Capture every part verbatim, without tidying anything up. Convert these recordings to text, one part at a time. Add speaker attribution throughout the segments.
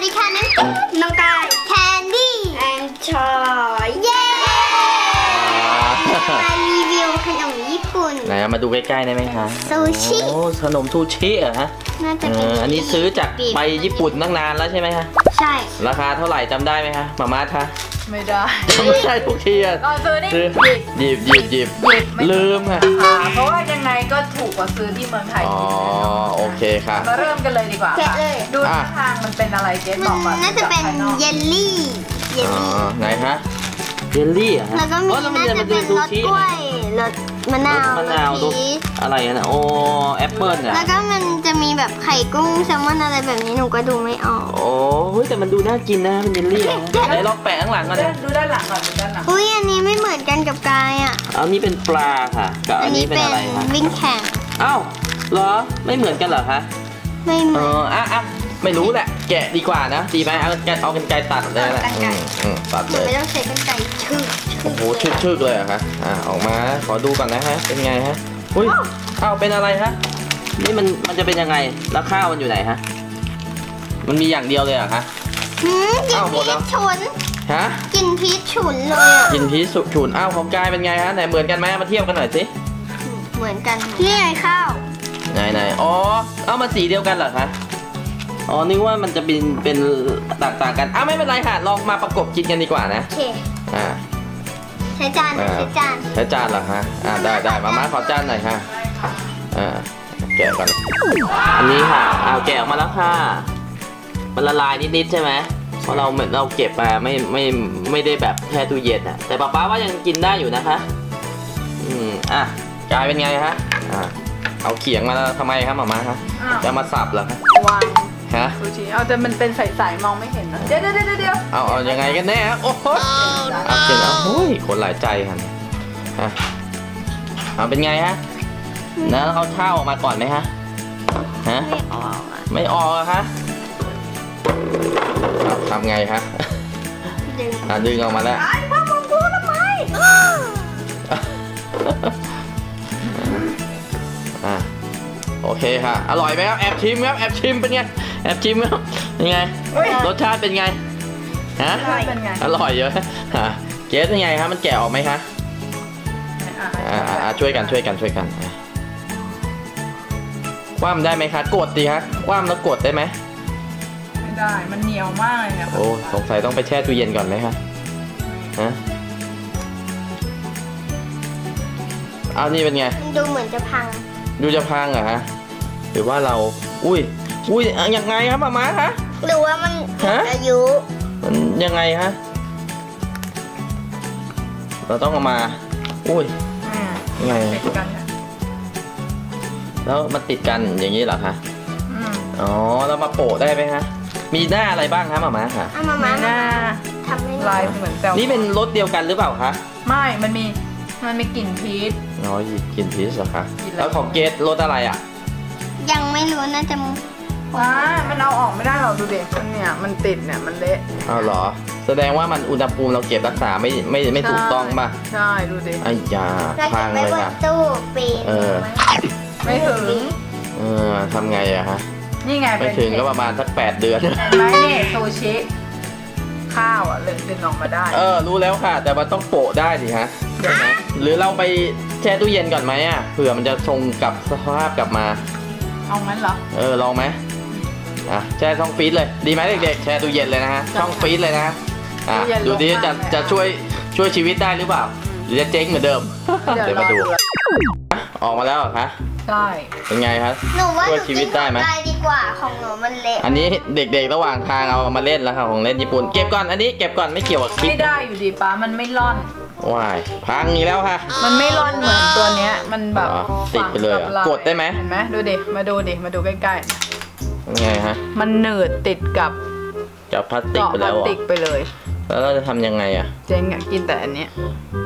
Speaker 1: ดีค่ะน้องน้องกายแคนดี้แอนชอยเย้มารีวิวขนมญี่ปุ่น
Speaker 2: ไหนมาดูใกล้ๆได้ไหมคะ
Speaker 1: ซูชิ
Speaker 2: โอ้ขนมซูชิเหรอฮะ
Speaker 1: น่าจะเป็น
Speaker 2: อันนี้ซื้อจากไปญี่ปุ่นตั้งนานแล้วใช่ไหมคะ
Speaker 1: ใช่
Speaker 2: ราคาเท่าไหร่จำได้ไหมคะมาม่าคะ
Speaker 3: ไม่ได้
Speaker 2: ไม่ได้ทุกทีอ่ะ
Speaker 3: ซื้อนี่
Speaker 2: หยิบหยิบหยิบลืมค่ะ
Speaker 3: เพราะว่ายังไงก็ถูกกว่าซื้อที่เมืองไทย
Speaker 2: อ๋อโอเคค่ะ
Speaker 3: มาเริ่มกันเลยดีกว่าค่ะดูท่าทางมันเป็นอะไรเจ๊บอกก่อน
Speaker 1: น่าจะเป็นเยลลี่เยลลี่
Speaker 2: ไหนคะเยลลี่อ่ะ
Speaker 1: แล้วก็มีน่าจะเป็นรสกล้วยรสมะนาว
Speaker 2: มะนาวอะไรนะโอ้แอปเปิ้ลอ่ะ
Speaker 1: แล้วก็มันจะมีแบบไข่กุ้งแซลมอนอะไรแบบนี้หนูก็ดูไม่ออก
Speaker 2: โอ้เฮ้ยแต่มันดูน่ากินนะเป็นเยลลี่ไหนลองแปะข้างหลังก่อน
Speaker 3: ดูด้านหลังก่อนดูด้านหลัง
Speaker 1: อุ้ยอันนี้ไม่เหมือนกันกับกายอ่ะ
Speaker 2: อันนี้เป็นปลาค่ะกับอันนี้เป็นอะไรคะ
Speaker 1: วิ่งแข่ง
Speaker 2: อ้าวเหรอไม่เหมือนกันเหรอคะ
Speaker 1: ไม่เหมือน
Speaker 2: เอออ่ะอ่ะไม่รู้แหละแกะดีกว่านะดีไหมเอาแกะเอากันไกรตัดเลยนะตัดเลย
Speaker 1: ไม่ต้องใช้กันไกรชึก
Speaker 2: โอ้โหชึกๆเลยอะคะอ่ะออกมาขอดูก่อนนะฮะเป็นไงฮะอุ้ยอ้าวเป็นอะไรฮะนี่มันมันจะเป็นยังไงแล้วข้าวมันอยู่ไหนฮะมันมีอย่างเดียวเลยอะคะ
Speaker 1: หืมกินพีชฉุน
Speaker 2: ฮะ
Speaker 1: กินพีชฉุนเลยอ่ะ
Speaker 2: กินพีชฉุนอ้าวของกายเป็นไงฮะไหนเหมือนกันไหมมาเทียบกันหน่อยสิ
Speaker 1: เหมือนกันนี่ไงข้าว
Speaker 2: ไหนไหนอ๋อเอามาสีเดียวกันเหรอคะอ๋อนึกว่ามันจะเป็นเป็นต่างๆกันอ้าวไม่เป็นไรค่ะลองมาประกบกินกันดีกว่านะ
Speaker 1: โอเค
Speaker 2: อ่า
Speaker 1: ใช้จานใช้จาน
Speaker 2: ใช้จานเหรอฮะอ่าได้ได้มาม่าขอจานหน่อยค่ะอ่าแกะก่อนอันนี้ค่ะเอาแกะออกมาแล้วค่ะมันละลายนิดๆใช่ไหมเพราะเราเราเก็บมาไม่ไม่ไม่ได้แบบแช่ตู้เย็นอ่ะแต่ป๊าป๊าว่ายังกินได้อยู่นะคะอืมอ่ะกลายเป็นไงฮะอ่าเอาเขียงมาแล้วทำไมครับมาม่าคะจะมาสับเหรอคะ
Speaker 3: วาง
Speaker 2: ฮะ
Speaker 3: ซูชิเอาแต่มันเป็นใสๆมองไม่เห็นนะเดี๋ยวเดี๋ยวเดี๋ยว
Speaker 2: เอาเอายังไงกันแน่โอ้โหเอาเจ๋งอ่ะโอ้ยคนหลายใจค่ะฮะเอาเป็นไงฮะแล้วเอาเท้าออกมาก่อนไหมฮะฮะ
Speaker 1: ไม่ออก
Speaker 2: ไม่ออกอะคะทำไงคะ
Speaker 1: ดึง
Speaker 2: อ่ะดึงออกมาแล้ว
Speaker 3: ไอ้พ่อมองกูทำไม
Speaker 2: อ่ะโอเคค่ะอร่อยไหมครับแอบชิมครับแอบชิมเป็นไงแอบชิมครับเป็นไงรสชาติเป็นไงฮะอร่อยเยอะฮะเกสเป็นไงครับมันแกะออกไหมคะอ่าช่วยกันช่วยกันช่วยกันคว่ำได้ไหมคะกดดีฮะคว่ำแล้วกดได้ไหม
Speaker 3: ไม่ได้มันเหนียวมากเลยค่ะ
Speaker 2: โอ้สงสัยต้องไปแช่ตู้เย็นก่อนไหมคะฮะเอานี่เป็นไง
Speaker 1: ดูเหมือนจะพัง
Speaker 2: ดูจะพังเหรอฮะหรือว่าเราอุ้ยอุ้ยยังไงครับมาม่าคะ
Speaker 1: หรือว่ามันอายุ
Speaker 2: มันยังไงฮะเราต้องเอามาอุ้ยยังไง
Speaker 3: ติดกัน
Speaker 2: แล้วมันติดกันอย่างนี้เหรอคะอ๋อเรามาโปะได้ไหมฮะมีหน้าอะไรบ้างคะมาม่าค่ะ
Speaker 1: มาม่า
Speaker 3: หน้า
Speaker 1: ทำไม่
Speaker 3: ลายเหมือนแซลมอน
Speaker 2: นี่เป็นรสเดียวกันหรือเปล่าคะ
Speaker 3: ไม่มันมีมันมีกลิ่นพีช
Speaker 2: อ๋อกลิ่นพีชเหรอคะแล้วของเกสรสอะไรอ่ะ
Speaker 1: ยังไม่รู้น่าจะ
Speaker 3: ว้ามันเอาออกไม่ได้หรอกดูเด็กมันเนี่ยมันติดเนี่ยมันเละ
Speaker 2: อ้าวเหรอแสดงว่ามันอุณหภูมิเราเก็บรักษาไม่ไม่ไม่ถูกต้องป่ะ
Speaker 3: ใช่ดูดิ
Speaker 2: ไอ้ยาพังเลยค่ะ
Speaker 1: ตู้ปี
Speaker 2: เออ
Speaker 3: ไม่ถึง
Speaker 2: เออทำไงอะฮะ
Speaker 3: นี่ไง
Speaker 2: ไม่ถึงก็ประมาณสักแปดเดือน
Speaker 3: เห็นไหมนี่ซูชิข้าวอ่ะเลยดึงออกมาได้
Speaker 2: เออรู้แล้วค่ะแต่มันต้องโปะได้สิฮะหรือเราไปแช่ตู้เย็นก่อนไหมอ่ะเผื่อมันจะทรงกลับสภาพกลับมา
Speaker 3: เอางั้นเหรอ
Speaker 2: เออลองไหมอ่ะแช่ช่องฟรีซเลยดีไหมเด็กๆแช่ตู้เย็นเลยนะฮะช่องฟรีซเลยนะอ่ะดูดิจะจะช่วยช่วยชีวิตได้หรือเปล่าหรือจะเจ๊งเหมือนเดิมเดี๋ยวมาดูออกมาแล้วเหรอคะ
Speaker 3: ใช่
Speaker 2: เป็นไงครับ
Speaker 1: หนูว่า
Speaker 2: ช่วยชีวิตได้ไหม
Speaker 1: ได้ดีกว่าของหนูมันเละ
Speaker 2: อันนี้เด็กๆระหว่างทางเอามาเล่นแล้วค่ะของเล่นญี่ปุ่นเก็บก่อนอันนี้เก็บก่อนไม่เกี่ยวกับคลิป
Speaker 3: ไม่ได้อยู่ดีป้ามันไม่ร่อน
Speaker 2: ว้ายพังอีกแล้วค่ะ
Speaker 3: มันไม่ร่อนเหมือนตัวเนี้ยมันแบบ
Speaker 2: ติดไปเลยกดได้ไหม
Speaker 3: เห็นไหมดูดิมาดูดิมาดูใกล้
Speaker 2: ๆไงฮะ
Speaker 3: มันหนืดติดกับ
Speaker 2: กับพลาสติกไปแล้ว
Speaker 3: พลาสติกไปเลย
Speaker 2: แล้วเราจะทำยังไงอ่ะ
Speaker 3: เจ๊งอ่ะกินแต่อันเนี้ย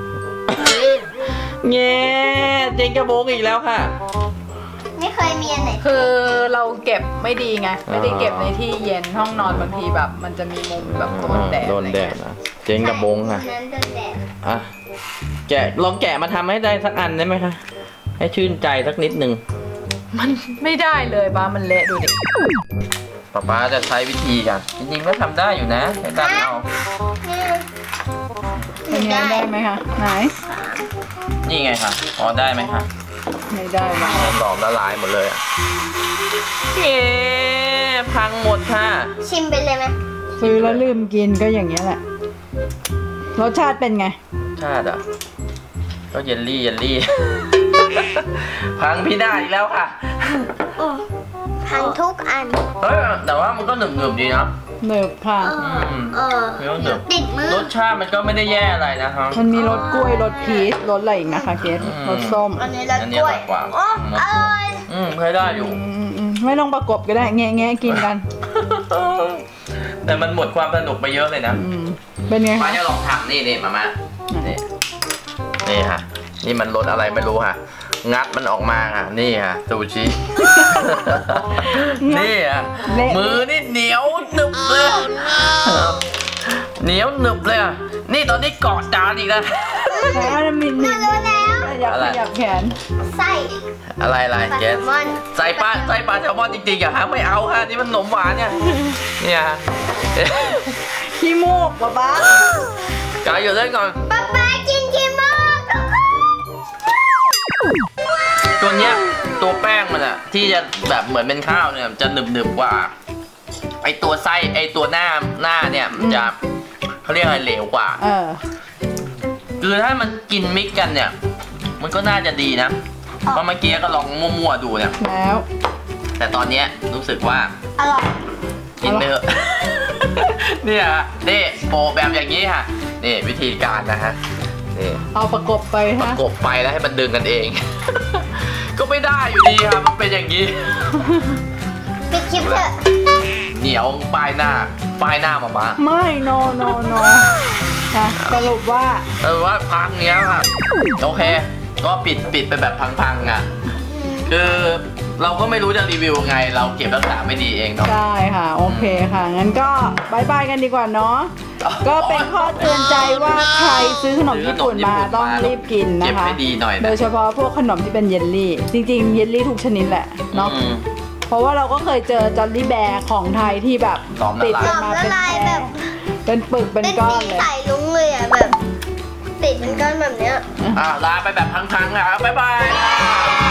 Speaker 2: เงี้ยเจ๊งกระโบงอีกแล้วค่ะ
Speaker 1: ไม่เคยมีอันไหน
Speaker 3: คือเราเก็บไม่ดีไงไม่ได้เก็บในที่เย็นห้องนอนบางทีแบบมันจะมีมุมแบบโดนแดด
Speaker 2: โดนแดดนะเจ๊งกระโบงค่ะอ่ะแกะลองแกะมาทำให้ได้สักอันได้ไหมคะให้ชื่นใจสักนิดนึง
Speaker 3: มันไม่ได้เลยบ้ามันเละดูดิ
Speaker 2: ป๊าป๊าจะใช้วิธีกันจริงๆก็ทำได้อยู่นะใช้ดันเอา
Speaker 3: เป็นไงได้ไหมคะไหน
Speaker 2: นี่ไงคะอ๋อได้ไหมคะ
Speaker 3: ไม่ได้ว่ะ
Speaker 2: หลอมละลายหมดเลยอ่ะเอ๊ะพังหมดค่ะ
Speaker 1: ชิมไปเลยไหม
Speaker 3: ซื้อแล้วลืมกินก็อย่างเงี้ยแหละรสชาติเป็นไง
Speaker 2: ชาติอ่ะก็เยลลี่เยลลี่ พังพี่ได้อีกแล้วค่ะ
Speaker 1: อืมพังทุกอัน
Speaker 2: เฮ้ยแต่ว่ามันก็หนึบหนึบๆดีนะ
Speaker 3: หนึบค่ะ
Speaker 1: เออเออ
Speaker 2: ไม่ต้องหนึบ
Speaker 1: ติดมือ
Speaker 2: รสชาติมันก็ไม่ได้แย่อะไรนะครับ
Speaker 3: มันมีรสกล้วยรสพีชรสอะไรอีกนะคะเกส
Speaker 2: อืม
Speaker 3: รสส้ม
Speaker 1: อันนี้รส
Speaker 2: อันนี้
Speaker 1: กล้วย
Speaker 2: อร่อยกว่า
Speaker 1: โอ้อร่อย
Speaker 2: อืมเคยได้อยู่
Speaker 3: อืมอืมไม่ต้องประกบก็ได้แงะแงะกินกัน
Speaker 2: แต่มันหมดความสนุกไปเยอะเลยนะ
Speaker 3: อืมเป็นไง
Speaker 2: มา
Speaker 3: คะ
Speaker 2: จะลองทำนี่นี่มามานี่นี่ค่ะ นี่มันรสอะไรไม่รู้ค่ะ งัดมันออกมาค่ะ นี่ค่ะซูชิ นี่อ่ะ มือนี่เหนียวหนึบเลยเหนียวหนึบเลยอ่ะ นี่ตอนนี้เกาะจานอีกแล้ว
Speaker 3: แล้วมีมี
Speaker 1: รู้แล้ว
Speaker 3: ขยับขยับแขน
Speaker 1: ไส้
Speaker 2: อะไรอะไร
Speaker 1: ปลา
Speaker 2: เก
Speaker 1: แซ
Speaker 2: ส
Speaker 1: ลมอน
Speaker 2: ใส่ปลาใส่ปลาแซลมอนจริงๆอะฮะไม่เอาฮะนี่มันขนมหวานเนี่ยเนี่ยฮะ
Speaker 3: ขี้มูกป๊าป๊าก
Speaker 2: ายอยู่เล่นก่อน
Speaker 1: ป๊าป๊ากินกินมาก
Speaker 2: ตัวเนี้ยตัวแป้งมันอะที่จะแบบเหมือนเป็นข้าวเนี่ยจะหนึบหนึบๆกว่าไอตัวไส้ไอตัวหน้าหน้าเนี่ยมันจะเขาเรียกอะไรเหลวกว่า
Speaker 3: เออ
Speaker 2: คือถ้ามันกินมิกกันเนี่ย มันก็น่าจะดีนะเพราะเมื่อกี้ก็ลองมั่วๆดูเนี่ย
Speaker 3: แล้ว
Speaker 2: แต่ตอนเนี้ยรู้สึกว่า
Speaker 1: อร่อย
Speaker 2: กินไปเถอะ เนี่ยฮะนี่โปะแบบอย่างนี้ค่ะนี่วิธีการนะฮะนี่
Speaker 3: เอาประกบไป
Speaker 2: ประ
Speaker 3: ฮะ
Speaker 2: กบไปแล้วให้มันดึงกันเอง ก็ไม่ได้อยู่ดีครับมันเป็นอย่างนี้
Speaker 1: ปิดคลิปเถอะ
Speaker 2: เหนียวป้ายหน้าป้ายหน้ามาบ้า
Speaker 3: ไม่ no no no นะสรุปว่า
Speaker 2: เออว่าพังเนี้ยครับโอเค ก็ปิดปิดไปแบบพังๆอ่ะคือเราก็ไม่รู้จะรีวิวไง เราเก็บรักษาไม่ดีเองเนาะ
Speaker 3: ใช่ค่ะ โอเคค่ะ งั้นก็บายบายกันดีกว่าเนาะ ก็เป็นข้อเตือนใจว่าใครซื้อขนมญี่ปุ่นมาต้องรีบกิน
Speaker 2: เก็บ
Speaker 3: นะคะ
Speaker 2: ให้ดีหน่อย
Speaker 3: โด
Speaker 2: นะ
Speaker 3: ยเฉพาะพวกขนมที่เป็นเยลลี่ จริงๆ เยลลี่ทุกชนิดแหละเนาะ
Speaker 2: อืม
Speaker 3: เพราะว่าเราก็เคยเจอจอลลี่แบร์ของไทยที่แบบ
Speaker 2: หลอมละลาย
Speaker 3: ติด
Speaker 1: หล
Speaker 3: กัน
Speaker 1: อม
Speaker 3: มา
Speaker 1: ละ
Speaker 3: เป็น
Speaker 1: ลายแบบ
Speaker 3: เป็นปึกเป็น
Speaker 1: เป็น
Speaker 3: ก้อ
Speaker 1: สี
Speaker 3: นเลย
Speaker 1: ใสลุ้งเลยอ่ะแบบ ติดเป็นก้อนแบบเนี้ย
Speaker 2: อ่ะลาไปแบบพังๆอ่ะบ๊ายบาย